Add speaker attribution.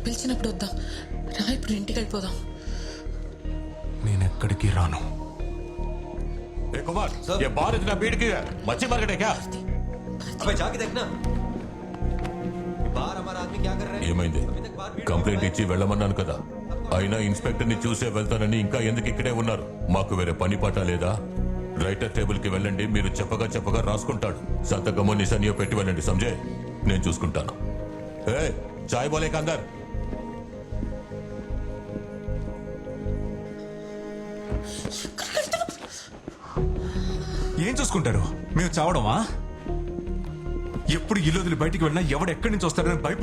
Speaker 1: పిలిచినప్పుడు వద్దాం రా, ఇప్పుడు ఇంటికి వెళ్ళిపోదాం.
Speaker 2: నేనెక్కడికి రాను.
Speaker 3: ए कुमार, ये बार इतना भीड़ क्यों है? मच्छी मार्केट है क्या?
Speaker 4: अबे जाके देखना बाहर हमारा आदमी क्या कर रहे हैं.
Speaker 3: ఏమైంది? కంప్లైంట్ ఇచ్చి వెళ్ళమన్నాను కదా, అయినా ఇన్స్పెక్టర్ ని చూసే వెళ్తానని ఇంకా ఎందుకు ఇక్కడే ఉన్నారు? మాకు వేరే పని పాట లేదా? రైటర్ టేబుల్ కి వెళ్ళండి, మీరు చెప్పగా రాసుకుంటాడు. సంతకము నిశానియో పెట్టి వెళ్ళండి, సంజే. నేను చూసుకుంటాను. ఏ చాయ్ బోలే కందర్.
Speaker 2: ఏం చూసుకుంటారు? మేము చావడమా? ఎప్పుడు ఇల్లు వదిలి బయటికి వెళ్ళినా ఎవడు ఎక్కడి నుంచి వస్తాడని భయపడి